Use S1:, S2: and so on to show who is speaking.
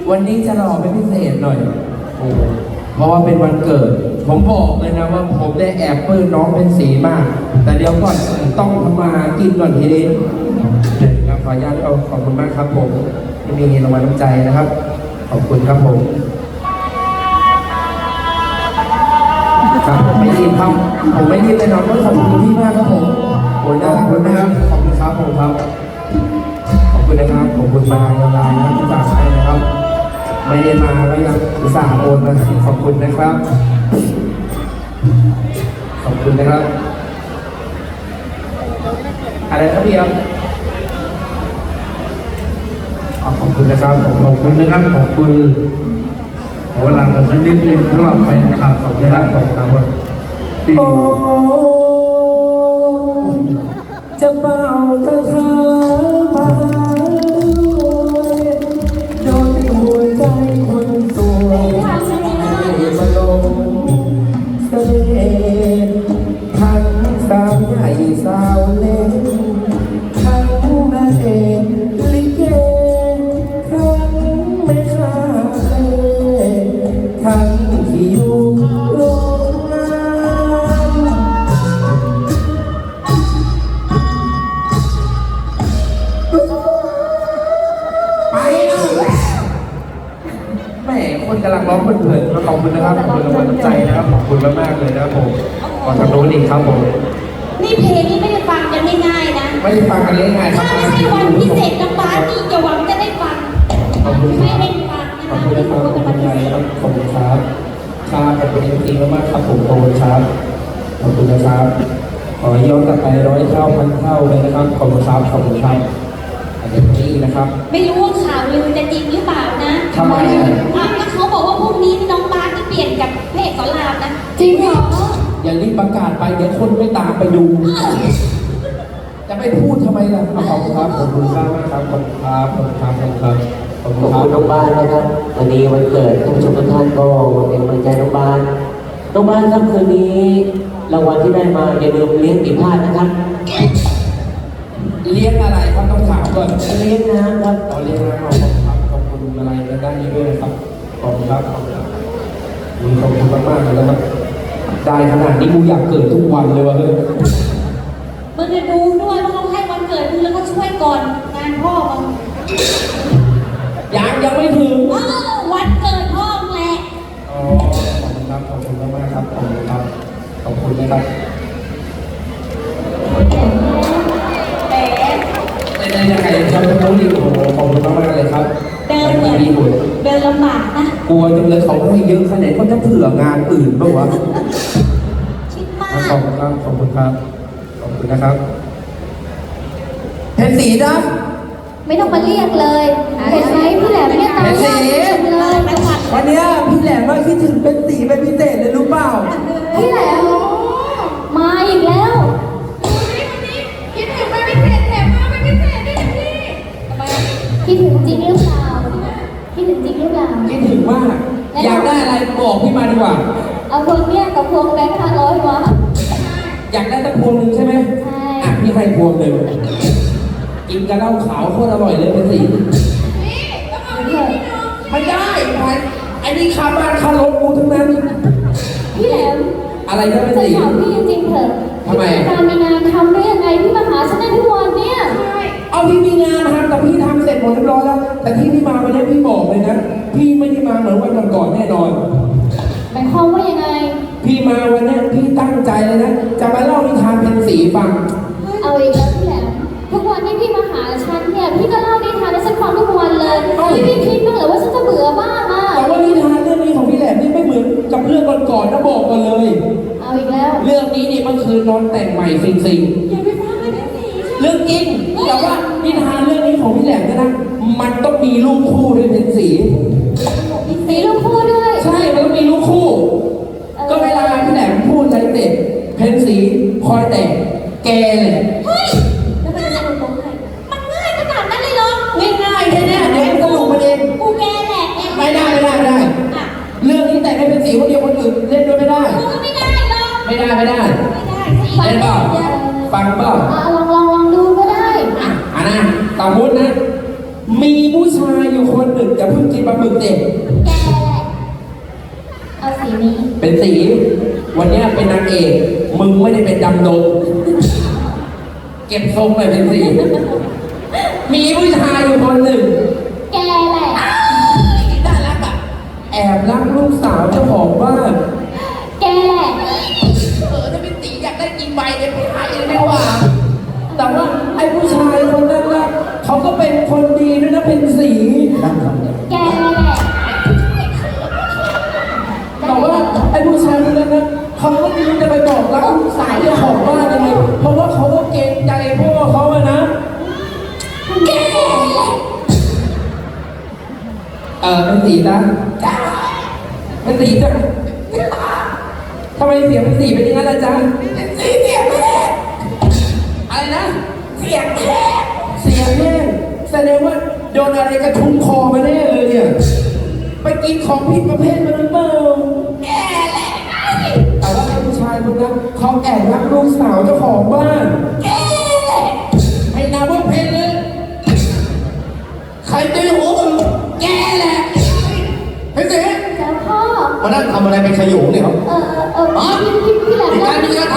S1: วันนี้จะหล่อเป็นพิเศษหน่อยโอ้เพราะว่าเป็นวันเกิดผมบอกเลยนะว่าผมได้แอบปลื้มน้องเป็นสีมากแต่เดี๋ยวก่อนต้องทำมากินก่อนทีนี้ครับขออนุญาตขอบคุณมากครับผมที่มีรางวัลน้ำใจนะครับขอบคุณครับผมครับผมไม่รีบครับผมไม่รีบเลยน้องก็ขอบคุณพี่มากครับผมโอ้ยน่ารักมากขอบคุณครับผมครับขอบคุณนะครับขอบคุณมาลายนะครับที่ฝากให้นะครับไม่ได้มาก็ยังอุตส่าห์โอนมาขอบคุณนะครับขอบคุณนะครับอะไรครับพี่ครับขอบคุณนะครับขอบคุณนะครับขอบคุณขอเวลาสักนิดนึงสำหรับแฟนคลับของที่รักของเราที่จะเป่าตะคามาโดนหัวใจคนสวยมาลงเสน่ห์ทั้งสาวใหญ่สาวเล็กทั้งนางเอกลิเกทั้งแม่ค้าทั้งที่อยู่โรงงานไปแล้วแม่คนกำลังร้องเพลินๆขอบคุณนะครับขอบคุณรางวัลน้ำใจนะครับขอบคุณมากๆเลยนะครับผมขอทำโน้นอีกครับผม
S2: นี่เพลงนี้ไม่ได้ฟังกันง่ายๆนะ
S1: ไม่ได้ฟังกันง่ายๆ
S2: ถ้าไม่ใช่วันพิเศษน้ำบ้านนี่อย่าหวังจะได้ฟังไม่ได้ฟังนะคะ
S1: ขอบคุณนะครับขอบคุณครับขอบคุณครับครับขอบคุณจริงๆมากครับผมขอบคุณครับขอบคุณนะครับขอย้อนกลับไป100 เท่าพันเท่าเลยนะครับขอบคุณครับขอบคุณครับอันนี้นะครับ
S2: ไม่รู้ว่าข่าวลือจะจริงหรือเปล่านะ
S1: ทำไม
S2: ก็เขาบอกว่าพรุ่งนี้น้องบ้านที่เปลี่ยนกับพระเอกสอนรามนะ
S1: จริงเหรออย่ารีบประกาศไปเดี๋ยวคนไม่ตามไปดูจะไม่พูดทำไมล่ะขอบคุณครับขอบคุณมากครับขอบคุณครับขอบคุณครับขอบคุณครับ
S3: ขอบคุณน้องบ้านนะครับวันนี้วันเกิดท่านผู้ชมทุกท่านก็เป็นกำลังใจน้องบ้านครับคืนนี้รางวัลที่ได้มาอย่าลืมเลี้ยงปีพาดนะครับ
S1: เลี้ยงอะไรครับต้องถามก่อน
S3: เลี้ยงนะครับ
S1: เลี้ยงนะขอบคุณครับขอบคุณอะไรด้านนี้ด้วยนะครับขอบคุณครับขอบคุณมากๆเลยนะครับได้ขนาดนี้กูอยากเกิดทุกวันเลยวะเฮ้ย
S2: มึงจะดูด้วยว่าเขาให้วันเกิดมึงแล้วก็ช่วยก่อนงานพ่อมึง
S1: ยังไม่ถึง
S2: วันเกิดพ่อมึงแหละ
S1: อ๋อขอบคุณครับขอบคุณมากๆครับขอบคุณครับขอบคุณนะครับได้ยังไงครับน้องดิวขอบคุณมากๆเลยครับ
S2: เดินเหมือนเดินลำบากนะ
S1: กลัวจังเลยเขาให้เยอะขนาดนี้เขาจะเผื่องานอื่นบ้างวะ
S2: คิดมาก
S1: ขอบคุณครับขอบคุณครับขอบคุณนะครับเพชรศรีนะ
S2: ไม่ต้องมาเรียกเลยเห็นไหมพี่แหลมเนี่ยตาม
S1: เพชรศรี
S2: เลย
S1: วันนี้พี่แหลมว่าคิดถึงเป็นศรีเป็นพิเศษเลยรู้เปล่า
S2: พี่แหลมมาอีกแล้วคิดถึงเป็นพิเศษแถมมาเป็นพิเศษด้วยพี่คิดถึงจริงหรือเปล่าคิดถึงจริงหรือเปล่า
S1: คิดถึงมากอยากได้อะไรบอกพี่มาดีกว่า
S2: เอาพวงเนี้ยกับพวงแบงค์500มา
S1: อยากได้สักพวงหนึ่งใช่ไหม
S2: ใช่
S1: พี่ให้พวงหนึ่งกินกระเหล้าขาวโคตรอร่อยเลยเป็นสีไม่ได้ไอ้นี่คาบ้านคารถกูทั้งนั้น
S2: พี่แหลม
S1: อะไรก็เป็นสี
S2: ถามพี่จริงๆเถอะ
S1: ทำไม
S2: การมีงานทำได้ยังไงพี่มาหาฉันได้ทุกวันเนี่ย
S1: เอาพี่มีงานทำแต่พี่ทำเสร็จหมดเรียบร้อยแล้วแต่ที่พี่มาวันนี้พี่บอกเลยนะพี่ไม่ได้มาเหมือนวันก่อนแน่นอน
S2: หมายความว่ายังไง
S1: พี่มาวันนี้พี่ตั้งใจเลยนะจะมาเล่านิทานเป็นสีฟัง
S2: เอาอีกแล้วพี่แหลมทุกวันที่พี่มาหาฉันเนี่ยพี่ก็เล่านิทานให้ฉันฟังทุกวันเลยพี่คิดบ้างเหรอว่าฉันจะเบื่อบ้างอ่ะ
S1: แต่ว่านิทานเรื่องนี้ของพี่แหลมนี่ไม่เหมือนกับเรื่องก่อนๆนะบอกกันเลย
S2: เอาอีกแล้ว
S1: เรื่องนี้นี่มันคือนอนแต่งใหม่สิง
S2: อย่าไปฟังเลยสิ
S1: เรื่องจริงแต่ว่านิทานเรื่องนี้ของพี่แหลมนะมันต้องมีลูกคู่ด้วยเป็นสี
S2: ลูกคู่ด้วย
S1: ใช่มันต้องมีลูกคู่ก็เวลาพี่แหลมพูดอะไรเสร็จเพนสีคอยแต่งแกเลย
S2: เฮ้ยแล้วมันจะสนุกตรงไหนมันง่ายขนาดนั้นเลยเหรอ
S1: ง่ายๆแน่ๆเดี๋ยวสนุกมาเอง
S2: กูแกแหละ
S1: ไม่ได้เรื่องนี้แต่งให้เป็นสีคนเดียวคนอื่นเล่นด้วยไม่ได้
S2: ไม่ได้หรอก
S1: ไม่ได้เล่นเปล่าฟังเปล่า
S2: ลองดูก็ได้
S1: นะต่อมุดนะมีผู้ชายอยู่คนหนึ่งจะเพิ่งกินปลาหมึกเด็ก
S2: แกเอาสีนี้
S1: เป็นสี วันเนี้ยเป็นนางเอกมึงไม่ได้เป็นดำดงเก็บทรงเลยเป็นสี มีผู้ชายอยู่คนหนึ่ง
S2: แกแหละ
S1: น่ารักอ่ะแอบรักลูกสาวเจ้าของบ้าน
S2: แกแหละ
S1: ถ้าเป็นสีอยากได้กินใบเลยไปหาเองไม่ว่าแต่ว่าไอ้ผู้ชายคนนั้นนะเขาก็เป็นคนดีด้วยนะเป็นสี
S2: แกแหละ
S1: แต่ว่าไอ้ผู้ชายคนนั้นนะเขาก็ไม่รู้จะไปบอกรักลูกสาวเจ้าของบ้านยังไงเพราะว่าเขาก็เกรงใจพ่อเขาอะนะ
S2: แกแหละ
S1: เป็นสีนะเป็นสีจ้ะทำไมเสียงเป็นสีเป็นอย่างนั้นล่ะจ๊ะเป็นสีเสียงแม่อะไรนะเสียงแม่เสียงแม่แสดงว่าโดนอะไรกระทุ้งคอมาแน่เลยเนี่ยไปกินของผิดประเภทมาหรือเปล่าแกแหละแต่ว่าไอ้ผู้ชายคนนั้นเขาแอบรักลูกสาวเจ้าของบ้านแกแหละให้นาว่าเพลงเลยใครตีหัวมึงแกแหละเฮ้ยเจ๊
S2: เจ้าพ่อ
S1: มานั่งทำอะไรเป็นขยุงเนี่ยครับ
S2: พี่แหลม
S1: มีการมีการ